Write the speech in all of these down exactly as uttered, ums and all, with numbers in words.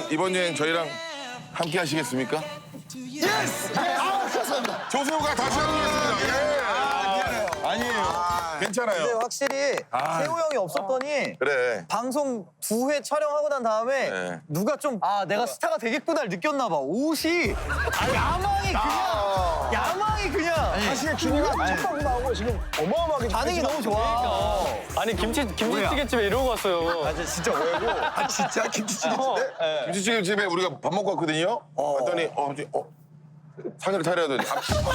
이번 여행 저희랑 함께 하시겠습니까? 예스! 아, 감사합니다. 조세호가 다시 하겠습니다. 예. 아니에요. 괜찮아요. 근데 확실히 아. 세호 형이 없었더니 그래. 방송 두 회 촬영하고 난 다음에 네. 누가 좀 아 내가 스타가 되겠구나를 느꼈나 봐. 옷이 아, 야망이 그냥 야망이 그냥 사실 준이가 첫 방송 나오고 지금 어마어마하게 반응이 너무 좋아. 아니 김치 김치찌개집에 이러고 왔어요. 아 진짜 왜고? 아 진짜 김치찌개인데? 김치찌개 집에 우리가 밥 먹고 왔거든요. 왔더니 어, 이제, 어 상을 차려야 돼.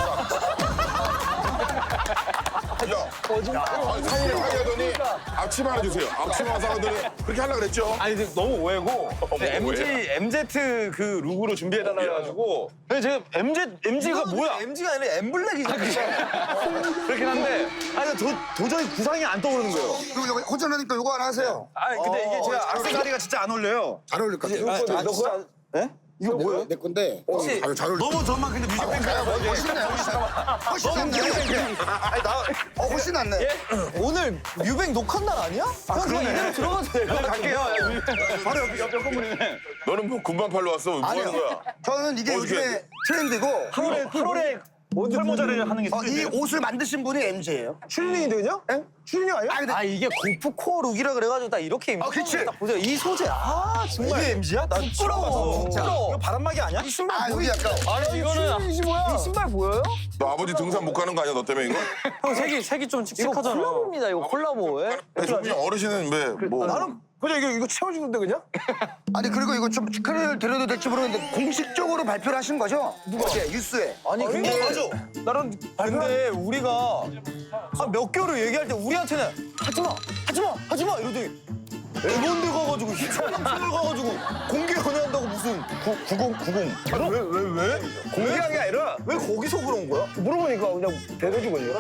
야, 아니, 상을 차려더니 앞치마 하나 주세요. 앞치마 사가더니 그렇게 하려고 그랬죠. 아니 근데 너무 오해고 엠지 엠제트 그 룩으로 준비해달라 해가지고 근데 제가 엠제 엠지가 뭐야 엠지가 아니라 엠블랙이잖아. 그렇긴 한데 아니 도, 도저히 구상이 안 떠오르는 거예요. 그리고 이거 혼자라니까 이거 하나 하세요. 아니 근데 이게 제가 악세사리가 진짜 안 어울려요. 잘 어울릴 것 같아요. 아, 너 거야? 이거 뭐예요? 내 건데. 혹시 아, 잘 어울릴 너무 저만 근데 뮤직뱅크가 것 같아요. 훨씬 낫네. 훨씬 낫네. 아니, 나, 어, 훨씬 낫네. 오늘 뮤뱅 녹화 날 아니야? 아, 형 그냥 이대로 들어가도 돼요. 갈게요. 바로 옆, 옆, 옆 건물이네. 너는 뭐 군반 팔러 왔어? 뭐 하는 아니요. 거야? 저는 이게 어떻게 요즘에 트렌드고 팔월에 팔월에 설모자를 하는 게 어, 이 트렌드예요. 옷을 만드신 분이 엠지예요. 슈링이거든요? 응? 슈링 아니야? 아, 근데 아 이게 고프코어 룩이라 그래가지고 딱 이렇게 입는 아, 그치. 거 딱 보세요. 이 소재 아 정말 이게 엠지야? 나 부끄러워. 부끄러워. 이거 바람막이 아니야? 이 신발 아, 여기 보이지? 약간 아니 이거는 이 신발 보여요? 너 아버지 등산 못 가는 거 아니야? 너 때문에 이거? 형 색이 색이 좀 이거 칙칙하잖아. 콜라보입니다. 이거 콜라보. 예? 조금 어르신은 왜 뭐? 나는 그냥 이거 이거 채워주는데 그냥? 아니 그리고 이거 좀 축하를 드려도 될지 모르겠는데 공식적으로 발표를 하신 거죠? 누가? 어제 뉴스에. 아니 근데 맞아. 나는 근데 우리가 한 몇 개월을 얘기할 때 우리한테는 하지마 하지마 하지마 이러더니 이런 데 가가지고 희철 가가지고 공개 연애한다고 무슨 구공구공. 왜 왜 왜? 공개한 게 아니라 왜 거기서 그런 거야? 물어보니까 그냥 대대주거든요.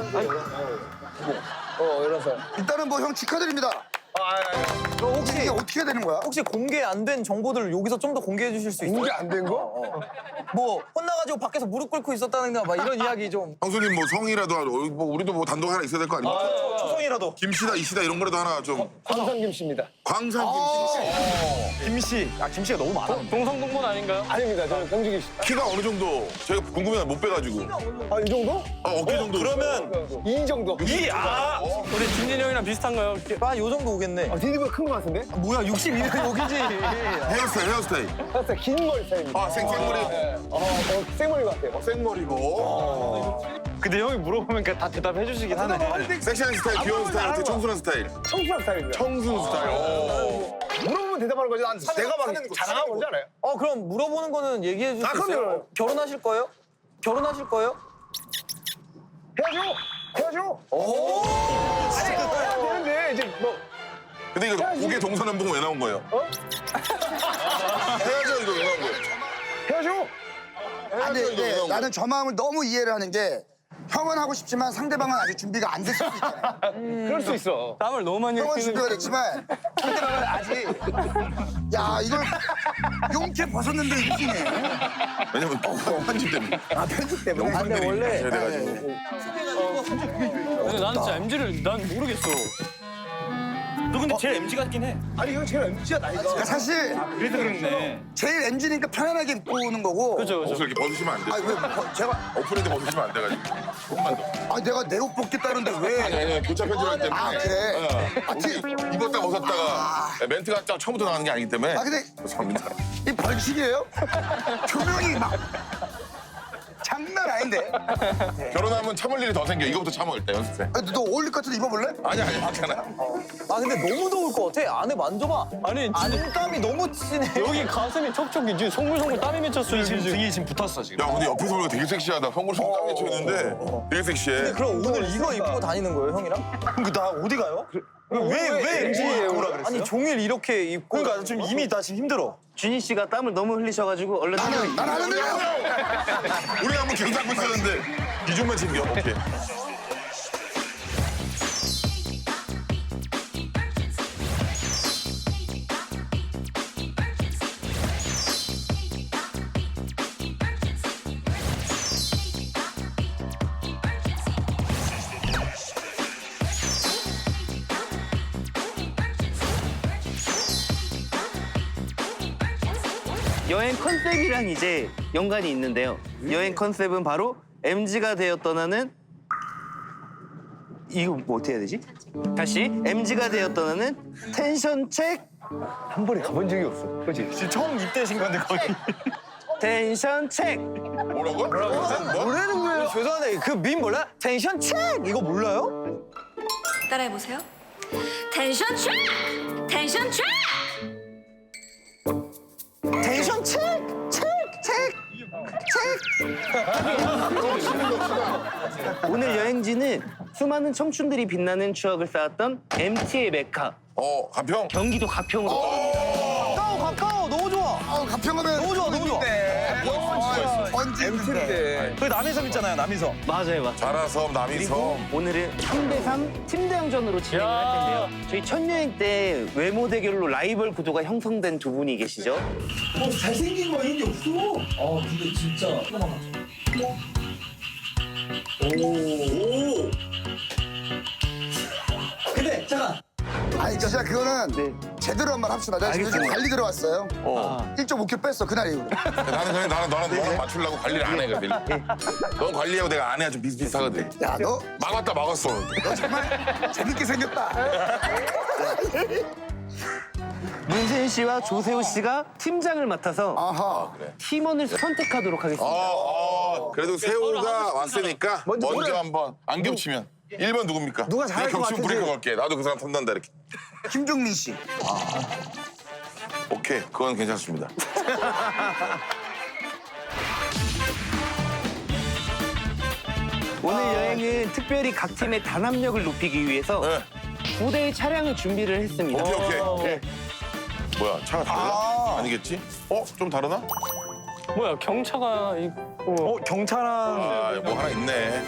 어 이래서 일단은 뭐 형 축하드립니다. 그럼 혹시 이게 어떻게 되는 거야? 혹시 공개 안 된 정보들을 여기서 좀 더 공개해 주실 수 있어요? 공개 안 된 거? 어, 어. 뭐 혼나가지고 밖에서 무릎 꿇고 있었다는가 막 이런 이야기 좀 형수님 뭐 성이라도 하고, 뭐 우리도 뭐 단독 하나 있어야 될 거 아니야? 초성이라도. 김씨다 이씨다 이런 거라도 하나 좀. 광산김 씨입니다. 광산 김씨. 김씨. 아 김씨가 너무 많아. 동성동본 아닌가요? 아닙니다. 저는 공주기 씨. 키가 어느 정도? 제가 궁금해 못 빼가지고. 아 이 정도? 어, 어깨 정도. 그러면 이 정도. 이 아. 우리 진진이 형이랑 비슷한가요? 아 요 정도 오겠네. 디디보다 큰 거 같은데? 뭐야 육십이 년 여기지. 헤어스타일 헤어스타일. 살짝 긴 머리 스타일입니다. 아 생, 생머리. 어, 어, 생머리 같아요. 생머리고. 근데 형이 물어보면 다 대답해 주시긴 하네. 섹시한 스타일, 귀여운 스타일, 되게 청순한 스타일. 청순한 스타일입니다. 청순 스타일. 오. 물어보면 대답하는 거지. 난 내가 막 자랑하는 건지 알아요? 어 그럼 물어보는 거는 얘기해 줄 아, 수 있어요? 그럼요. 결혼하실 거예요? 결혼하실 거예요? 헤어져! 헤어져! 오. 아니, 해야 되는데 이제 뭐 근데 이거 고개 동서남북 왜 나온 거예요? 어? 헤어져 이거 왜 나온 거예요? 헤어져! 아니, 헤어져 이거 왜 네, 나온 나는 저 마음을 너무 이해를 하는 게 형은 하고 싶지만 상대방은 아직 준비가 안 됐을 수 있잖아요. 그럴 수 있어. 땀을 너무 많이 형은 흘리는. 준비가 됐지만 상대방은 아직 야 이걸 용케 벗었는데 이기네. 왜냐면 편집 때문에. 아 편집 때문에. 영상들이 원래- 해야 돼가지고. 근데 나는 진짜 엠지를 난 모르겠어. 너 근데 제일 엠지 같긴 해. 아니 이건 제일 엠지야 나이가. 그러니까 사실 그래서 그렇네. 제일 엠지니까 편안하게 입고 오는 거고. 그죠 그죠. 옷을 이렇게 벗으시면 안 돼. 아니 왜 뭐, 제가 오픈인데 벗으시면 안 돼가지고. 조금만 더. 아 내가 내 옷 벗겠다는데 아니 왜? 아니 교차 편집하기 때문에. 아 그래. 어. 옷 입었다 벗었다가 멘트가 딱 처음부터 나가는 게 아니기 때문에. 아 근데 죄송합니다. 이 벌칙이에요? 조명이 막 장난 아닌데. 결혼하면 참을 일이 더 생겨. 이거부터 참아 일단 연습생. 아, 너 어울릴 것 같은데 입어볼래? 아니 아니 괜찮아. 아 근데 너무 더울 것 같아. 안에 만져봐. 아니 진짜 안땀이 너무 치네. 여기 가슴이 촉촉이지 송글송글 땀이 맺혔어요. 지금 등이 지금 붙었어 지금. 야 근데 옆에서 보니까 되게 섹시하다. 송골송골 땀 맺혀 있는데 되게 섹시해. 그럼 오늘 이거 입고 다니는 거예요, 형이랑? 그럼 나 어디 가요? 왜왜 엠지 오라 그랬어요? 아니 종일 이렇게 입고. 그러니까 지금 이미 나 지금 힘들어. 준희 씨가 땀을 너무 흘리셔가지고 얼른 나는 난 하는데요. 우리 한번 계속 잡고 있었는데 이중만 챙겨. 오케이. 여행 컨셉이랑 이제 연관이 있는데요. 여행 컨셉은 바로 엠지가 되어 떠나는 이거 뭐 어떻게 해야 되지? 다시 엠지가 되어 떠나는 텐션 책 한 번에 가본 적이 없어. 그렇지? 지금 처음 입대신 건데 거의. 텐션 책. 뭐라고? 뭐? 뭐라는 거예요? 죄송한데 그 밈 몰라? 텐션 책 이거 몰라요? 따라해보세요. 텐션 책! 텐션 책! 텐션 책! 책! 책! 오늘 여행지는 수많은 청춘들이 빛나는 추억을 쌓았던 엠티의 메카 어, 가평? 경기도 가평으로 가까워 가까워 너무 좋아. 어, 가평하면 너무 좋아 너무 좋아. 언제 있는데? 그 남이섬 있잖아요 남이섬. 맞아요 맞아요. 자라섬, 남이섬. 오늘은 삼 대 삼 팀대항전으로 진행을 할 텐데요. 저희 첫 여행 때 외모 대결로 라이벌 구도가 형성된 두 분이 계시죠. 잘생긴 거 이런 게 없어. 아 근데 진짜. 오. 근데 잠깐. 아니 진짜 그거는 네. 제대로 한 번 합시다. 내가 지금 요즘 관리 들어왔어요. 일 점 오 킬로 뺐어 그날 이후로. 나는 그냥 나는 너랑 너랑 맞추려고 관리를 안 해, 그래. 넌 관리하고 내가 안 해야 좀 비슷비슷하거든. 야 너 막았다, 막았어. 너 정말 재밌게 생겼다. 문세윤 씨와 조세호 씨가 팀장을 맡아서 아하. 팀원을 선택하도록 하겠습니다. 어, 어, 그래도 세호가 왔으니까 먼저, 먼저 한번 안 겹치면. 일 번 누굽니까? 누가 잘할 내가 것 겹치면 같으세요? 브레이크 걸게. 나도 그 사람 탐난다, 이렇게. 김종민 씨. 오케이, 그건 괜찮습니다. 오늘 여행은 특별히 각 팀의 단합력을 높이기 위해서 네. 두 대의 차량을 준비를 했습니다. 오케이, 오케이. 네. 뭐야, 차가 달라? 아. 아니겠지? 어? 좀 다르나? 뭐야 경차가 있고. 어 경차랑 아, 뭐 하나 있네.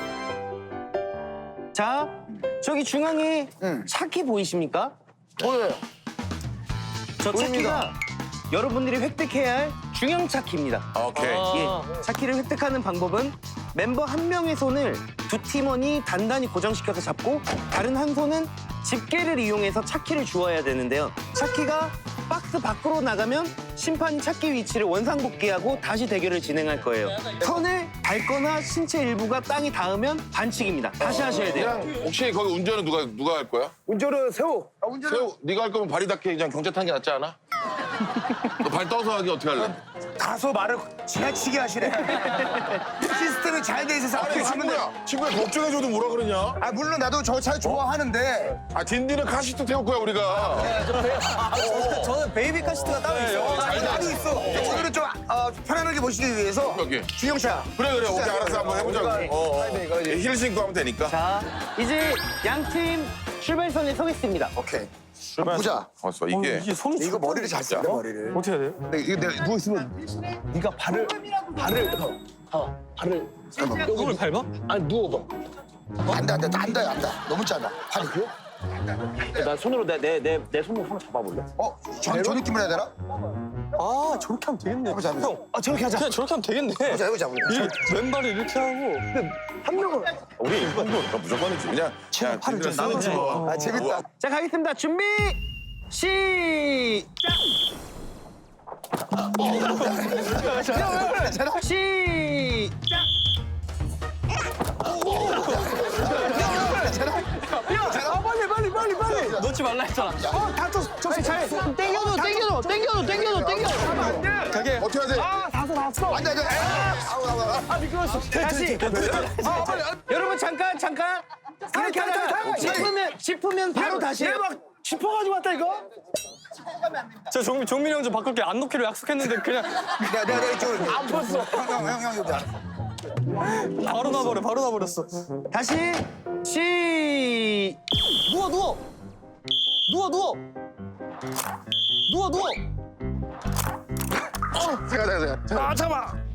자, 저기 중앙에 응. 차키 보이십니까? 보여요. 저 차키가 여러분들이 획득해야 할 중형 차키입니다. 오케이. 아. 예, 차키를 획득하는 방법은 멤버 한 명의 손을 두 팀원이 단단히 고정시켜서 잡고 다른 한 손은 집게를 이용해서 차키를 주워야 되는데요. 차키가 박스 밖으로 나가면 심판이 차키 위치를 원상복귀하고 다시 대결을 진행할 거예요. 선을 밟거나 신체 일부가 땅에 닿으면 반칙입니다. 다시 하셔야 돼요. 그냥 혹시 거기 운전은 누가 누가 할 거야? 운전은 세호. 아, 운전은 세호, 네가 할 거면 발이 닿게 그냥 경찰 탄 게 낫지 않아? 너 발 떠서 하기 어떻게 할래? 다소 말을 지나치게 하시네. 시스템이 잘 돼 있어서 아니 앞에 주면 돼. 친구야, 친구야 걱정해줘도 뭐라 그러냐? 아 물론 나도 저 차 좋아하는데. 아 딘딘은 카시트 태울 거야 우리가. 저는 베이비카 시트가 따로 있어요. 아, 나도 있어. 오늘은 좀 어, 편안하게 모시기 위해서 여기. 주영차. 그래 그래 오케이 알았어 한번 해보자고. 어, 어. 힐 신고 하면 되니까. 자, 이제 양 팀 출발선에 서겠습니다. 오케이. 한번 보자. 봤어 이게. 이게 손이 이거 머리를 잘 쓴다 머리를. 어떻게 해야 돼요? 근데 이거 내가 누워 있으면 네가 발을 발을 어 발을 잠깐만. 이걸 밟아? 아니 누워봐. 안돼 안돼 안돼 안돼 너무 짧아. 발이 그요? 나 손으로 내 내 내 내 손으로 한번 잡아볼래? 어? 저, 저 느낌을 해야 되나? 아 저렇게 하면 되겠네. 해보자 해보자. 형, 아 저렇게 하자. 그냥 저렇게 하면 되겠네. 해보자 해보자. 우리. 이 왼발을 이렇게 하고. 한 명은 우리 이건 너 무조건이지 그냥. 그냥 팔을 좀 딘딘은 나눠줘. 뭐. 아 재밌다. 자, 가겠습니다. 준비, 시작! 시작! 아 빨리 빨리 빨리 빨리. 놓지 말라 했잖아. 다쳤어. 저기 잘. 땡겨줘, 땡겨줘, 땡겨줘, 땡겨줘, 땡겨줘. 가게. 어떻게 하지? 아 다섯 나왔어. 안돼 안돼. 아우 아우 아우. 아 미끄러웠어. 다시. 아 빨리. 여러분, 잠깐, 잠깐. 이렇게 하다가 짚으면, 짚으면 바로 다시 해요. 막 짚어가지고 왔다 이거. 저 종민 종민 형 좀 바꿀게 안 놓기로 약속했는데 그냥 내가 내가 내가 이쪽으로. 안 풀었어. 형형형 여기. 바로 나버려 바로 나버렸어. 다시, 시. 누워 누워. 누워 누워. 누워 누워. 잠깐 잠깐 잠깐. 아 잠깐.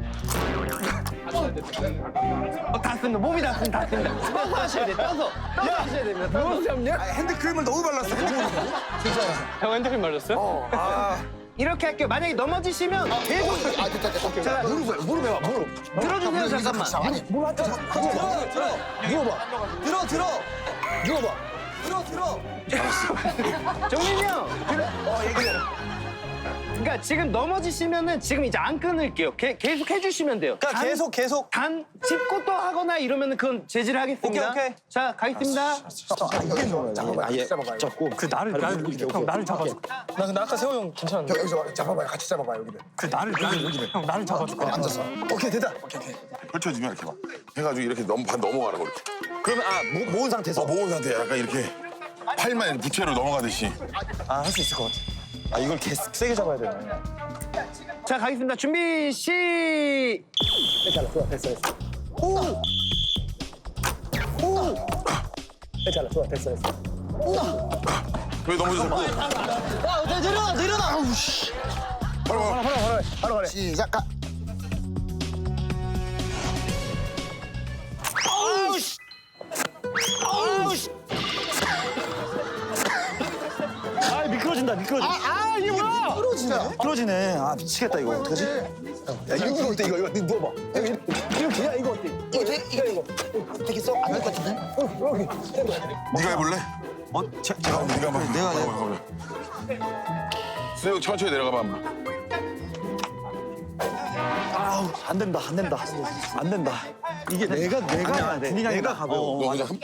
어, 닿습니다. 몸이 닿습니다. 닿습니다. 떠서 하셔야 돼요. 떠서. 떠서 하셔야 됩니다. 떠서. 잡냐? 아, 핸드크림을 너무 발랐어. 형 핸드크림 말렸어요? 이렇게 할게요. 만약에 넘어지시면 계속 아 됐다 됐다. 자, 무릎을 무릎 해봐 무릎. 들어주세요. 잠깐만. 아니 뭘 한테 들어 들어. 누워봐. 들어 들어. 누워봐. 들어 들어. 정민이 형. 어 얘기해. 그러니까 지금 넘어지시면은 지금 이제 안 끊을게요. 게, 계속 해주시면 돼요. 그러니까 단- 계속 계속. 단 짚고 또 하거나 이러면은 그건 제지를 하겠습니다. 오케이, 오케이. 자, 가겠습니다. 잠깐만 아예 잡고 그 나를 나를 형 나를 잡아줘. 나 근데 아까 세호 형 괜찮은데. 여기서 잡아봐요. 같이 잡아봐요 여기를. 그 나를 나를 여기를 형 나를 잡아줘. 앉아서. 오케이 됐다. 오케이 오케이. 펼쳐지면 이렇게 막 해가지고 이렇게 넘, 반 넘어가는 거 이렇게. 그러면 아 모, 모은 상태에서. 어, 모은 상태 약간 이렇게 팔만 이렇게 부채로 넘어가듯이. 아 할 수 있을 것 같아. 아 이걸 개 세게 잡아야 되네. 자, 가겠습니다. 준비, 시! 괜찮아. 좋아 됐어 됐어. 오. 오. 괜찮아. 좋아 됐어 됐어. 왜 넘어졌어? 야 내려놔 내려놔. 아우 씨. 바로 가. 바로 바로 바로 가래. 시작. 가. 아우 씨. 아우 씨. 아 미끄러진다 미끄러져. 아 이게 뭐야? 부러지네. 미끄러지네. 아 미치겠다 이거 어떡하지? 야 이거 어때 이거 이거 니 누워봐. 여기 이렇게 야 이거 어때? 이거 돼? 이거 이거 되겠어? 안 될 것 같은데? 어 여기. 네가 해볼래? 어 제, 제가 네가 한번. 내가 내가. 수영 천천히 내려가봐 한번. 아우 안 된다 안 된다 안 된다. 이게 내가 내가 해야 돼. 내가 가벼워. 너 그냥 한.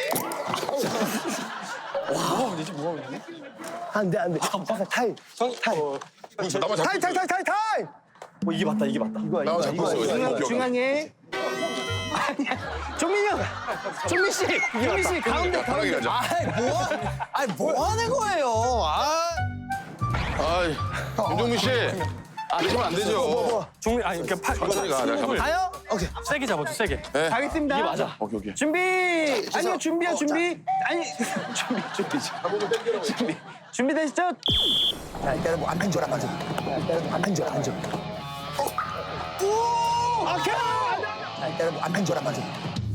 안돼 안돼. 잠깐 타임. 타임. 나만 잡고 타임 타임 타임 타임 타임. 어 이게 맞다 이게 맞다. 이거 나만 잡고 있어. 중앙, 여기. 중앙에. 아니야. 종민이 형! 종민 씨! 종민 씨, 가운데, 편하게 가운데. 가자. 아이 뭐 아이 뭐 하는 거예요? 아. 아이, 김종민 씨. 아, 그러면 안 되죠. 종민 아니 그러니까 팔 천천히 가. 내가 잡을게. 가요? 오케이. 세게 잡아줘 세게. 가겠습니다. 이게 맞아. 오케이, 오케이. 준비! 아니요, 준비요, 준비. 아니, 준비, 준비. 준비. 준비되시죠? 자 일단은 뭐안 앉아 안 앉아. 일단은 안 앉아 안 앉아. 오케이! 자 일단은 뭐안 앉아 안 앉아.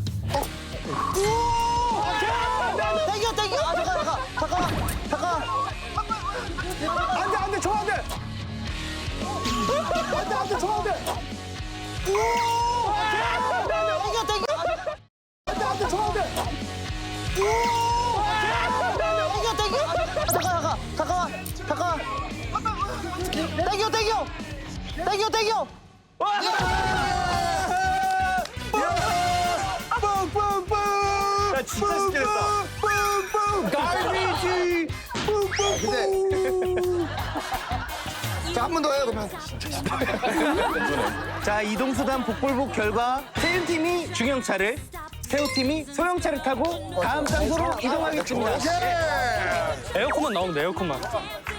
땡겨 땡겨. 아 잠깐 잠깐 잠깐 잠깐. 안돼 안돼 저 안돼. 안돼 안돼 저 안돼. 땡겨 땡겨. 안돼 안돼 저 안돼. 땡겨 땡겨. 잠깐 잠깐 잠깐 잠깐. 땡겨 땡겨. 땡겨 땡겨. 야 진짜 쉽게 됐다. 갈비지. 근데 자한 번 더 해요 그러면. 자, 이동수단 복불복 결과 세윤팀이 중형차를, 세호팀이 소형차를 타고 다음 장소로 이동하겠습니다. 에어컨만 나오면 돼 에어컨만.